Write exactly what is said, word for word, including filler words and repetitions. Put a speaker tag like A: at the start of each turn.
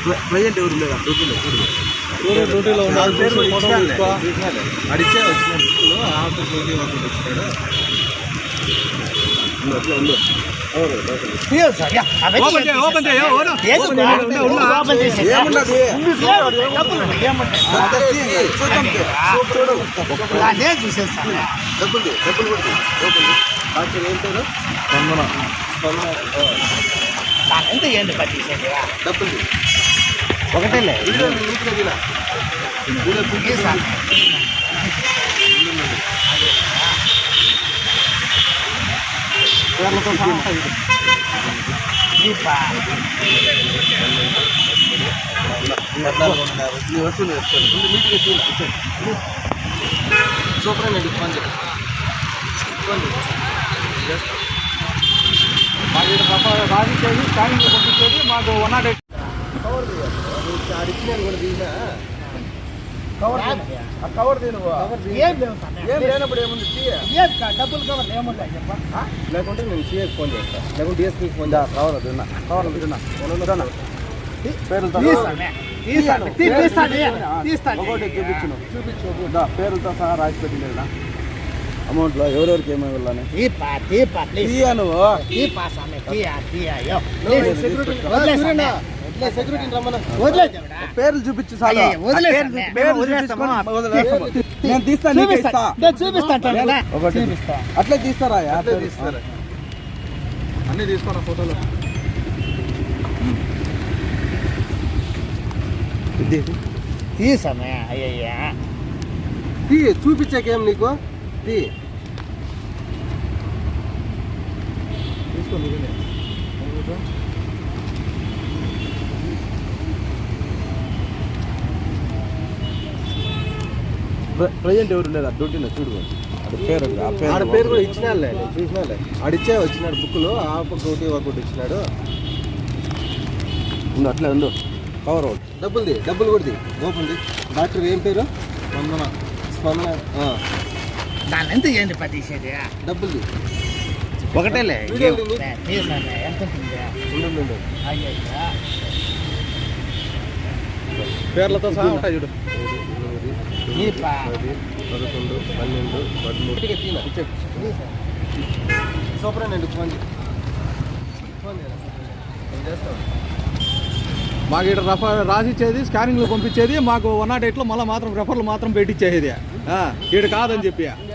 A: Present ఎవరు లేదా డ్యూటీలో
B: డ్యూటీలో
A: అడిచే వచ్చిన బుక్లో ఆఫీస్ డ్యూటీ వర్క్ వచ్చినాడు.
C: ఎంత ఏంటి పది
A: డబ్బులు
C: ఒకటేలే
A: సూపర్ అండి ఫోన్ చేయండి.
B: మాకు రాసిచ్చేది స్కానింగ్ పంపించేది మాకు వన్ నాట్ ఎయిట్
A: అడిచినారు కూడా తీసినా
B: కవర్ కవర్ నువ్వు
C: ఏం లేవు
A: ఏం లేనప్పుడు ఏముంది
C: డబ్బులు కవర్ ఏముంటాయి చెప్ప
A: లేకుంటే నేను సీఏకి ఫోన్ చేస్తాను, లేకుంటే డిఎస్పీకి ఫోన్ చేస్తాను. కవర్ తిన్నా కవర్ తిన్నా పేరుతో ఒకటి చూపించను చూపించు పేరుతో సహా రాసి పెట్టిలేదా అమౌంట్లో ఎవరెవరికి ఏమో వెళ్ళాలి నువ్వు సెక్యూరిటీ రమ్మన్నా పేర్లు చూపించు నేను తీస్తాను ఒకటి అట్లే తీస్తారా అట్లే తీస్తారా అన్నీ తీసుకోరా ఫోటోలు
C: తీసామే అయ్యయ్యా
A: తీ చూపించాకేం నీకు తీ తీసుకో ప్రజెంట్ ఎవరు లేదా డ్యూటీలో చూడు పేరు ఆడ పేరు కూడా ఇచ్చినాడులే చూసినాలే అడిచే వచ్చినాడు బుక్లో ఆ బుక్ డ్యూటీ ఒకటి ఇచ్చినాడు. ఉండు అట్లే ఉండు కవర్ అవుట్ డబ్బులుది డబ్బులు కూడా ఓపెన్ది. డాక్టర్ ఏం పేరు స్పందన స్పందన
C: దాని ఎంత ఏంటి పట్టిసేది
A: డబ్బులుది
C: ఒకటేలే ఎంత
A: ఉండు
C: అయ్యయ్యా
B: పేర్లతో సహా ఉంటాయి చూడు.
A: పది పదకొండు పన్నెండు పదమూడు సూపర్ అండి ఫోన్ ఫోన్ చేస్తాను.
B: మాకు ఇక్కడ రఫ రాసిచ్చేది స్కానింగ్లో పంపించేది మాకు వన్ నాట్ ఎయిట్లో మళ్ళీ మాత్రం రెఫర్లు మాత్రం పెట్టించేది ఇక్కడ కాదని చెప్పి